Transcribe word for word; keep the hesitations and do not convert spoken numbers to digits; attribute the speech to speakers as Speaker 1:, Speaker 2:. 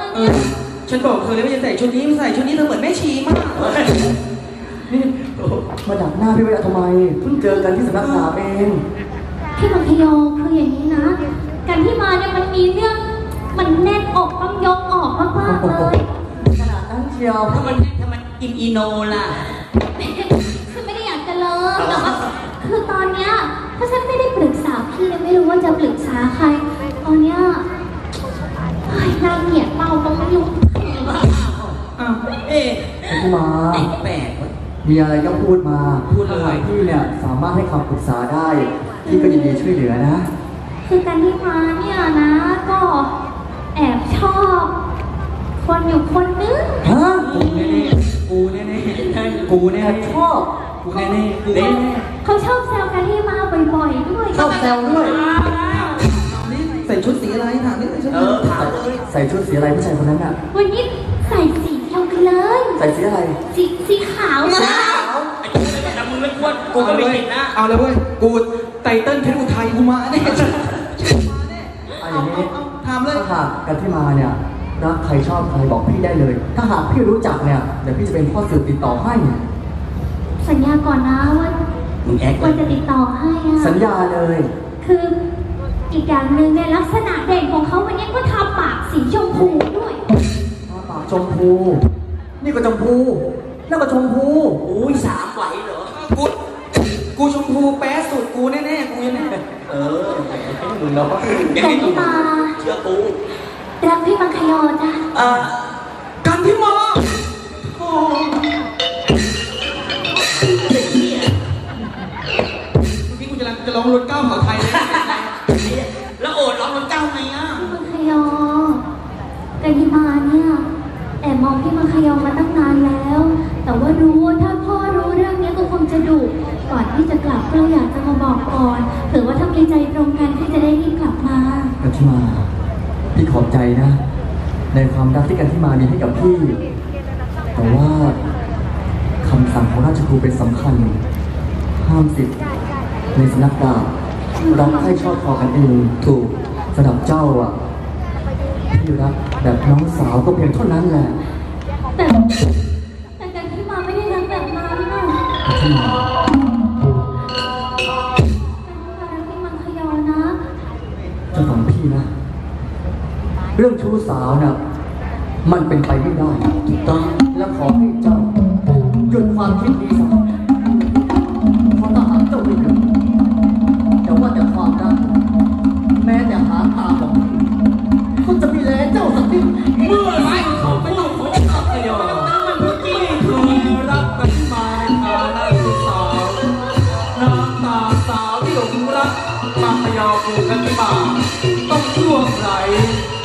Speaker 1: เออฉันบอกเธอเลยว่าจะใส่ชุดนี้ไม่ใส่ชุดนี้เธอเหมือนแม่ชีมาก
Speaker 2: นี่มาดักหน้าพี่ไว้ทำไมเพิ่งเจอกันที่สำนักดาบเอง
Speaker 3: พี่มังคยอคืออย่างนี้นะการที่มาเนี่ยมันมีเรื่องมันแน่นอกต้องยกออกมากๆเลย
Speaker 2: ขนาดนั้นเชียว
Speaker 1: ถ้ามันถ้ามันกินอีโนล่ะ
Speaker 3: คือไม่ได้อยากจะเลิกแต่ว่าคือตอนเนี้ยถ้าฉันไม่ได้ปรึกษาพี่เลยไม่รู้ว่าจะปรึกษาใครตอนเนี้ยน่าเกลียดเปล่าก็ไม่รู้
Speaker 1: อ้าวเอ๊ะ
Speaker 2: พี่มา
Speaker 1: แปลก
Speaker 2: มีอะไรก็พูดมาพูดอะไรพี่เนี่ยสามารถให้คำปรึกษาได้พี่ก็ยินดีช่วยเหลือนะ
Speaker 3: คือการที่มาเนี่ยนะก็แอบชอบคนอยู่คนนึง
Speaker 2: ฮะ
Speaker 1: กูแน่ๆกูแน่ๆกูแน่
Speaker 2: ชอบ
Speaker 1: กูแน่ๆเด้
Speaker 3: เขาชอบแซวกันที่มาบ่อยๆด้วย
Speaker 2: ชอบแซวด้วย
Speaker 1: ใส่ชุดสีอะไรถามนิดนึงเออถามเลย
Speaker 2: ใส่ชุดสีอะไรผู้ชายคนนั้นอ่ะ
Speaker 3: วันนี้ใส่สีเดียวกันเลย
Speaker 2: ใส่สีอะไร
Speaker 3: สีสีขาว
Speaker 1: สีขาวไอ้กูไม่ได้มึงไม่กวนกูก็ไม่ติดนะเอาเลยเว้ยกูไตเติ้ลเพชรอุทัยกูมาเนี่ย
Speaker 2: เอาอย่างนี้
Speaker 1: ถามเลย
Speaker 2: ถ้าหากกันที่มาเนี่ยรักใครชอบใครบอกพี่ได้เลยถ้าหากพี่รู้จักเนี่ยเดี๋ยวพี่จะเป็นพ่อสื่อติดต่อให้
Speaker 3: สัญญาก่อนนะว่าว่าจะติดต่อให้อะ
Speaker 2: สัญญาเลย
Speaker 3: คืออีกอย่างหนึ่งในลักษณะเด่นของเขาวันนี้ก็ทาปากสีชมพูด้วย
Speaker 2: ทาปากชมพูนี่ก็ชมพูนั่นก็ชมพู
Speaker 1: อุ้ยสามไหวเหรอกูกูชมพูแป๊ะสุดกูแน่ๆกูแน่เออมึงเนาะ
Speaker 3: แต่พี่มา
Speaker 1: เชื่อกู
Speaker 3: รักพี่มังคยอจ้ะ
Speaker 1: อ่ากันพี่มาโอ้พี่กูจะร้องจะร้องรถเก้าของไทยเลยแล้วโอดร้องรถเก้าไงอ่ะ
Speaker 3: พี่มังคยอกันที่มาเนี่ยแอบมองพี่มังคยอมาตั้งนานแล้วแต่ว่ารู้ถ้าพ่อรู้เรื่องนี้ก็คงจะดุก่อนที่จะกลับก็เลยอยากจะมาบอกก่อนถือว่าถ้ามีใจตรงกันที่จะได้รีบกลับมา
Speaker 2: กันที่มาพี่ขอบใจนะในความรักที่กันที่มามีให้กับพี่แต่ว่าคำสั่งของราชครูเป็นสำคัญห้ามสิทธิ์ในสำนักดาบรักให้ชอบพอกันเองถูกสำหรับเจ้าอ่ะพี่รักแบบน้องสาวก็เพียงเท่านั้นแหละ
Speaker 3: แต่แต่กันที่มาไม่ได้รักแบบนั้นนะ
Speaker 2: ที่มา
Speaker 3: พี่มังคยอนะ
Speaker 2: จะฟังพี่นะเรื่องชู้สาวน่ะมันเป็นไปไม่ได้ถูกต้องและขอให้เจ้าหยุดความคิดนี้ซะเพราะถ้าหากเจ้าไม่หยุดแต่ว่าแต่ความรักแม้แต่หาตาบอกก็จะมีแลเจ้าสักนิด
Speaker 1: เมื่อไรเขาไม่ต้องขอขับขยอไม่เคยรักกันมาในฐานะชู้สาวน้ำตาสาวที่หลงรักมาขยอกูกันมาต้องช่วงไหน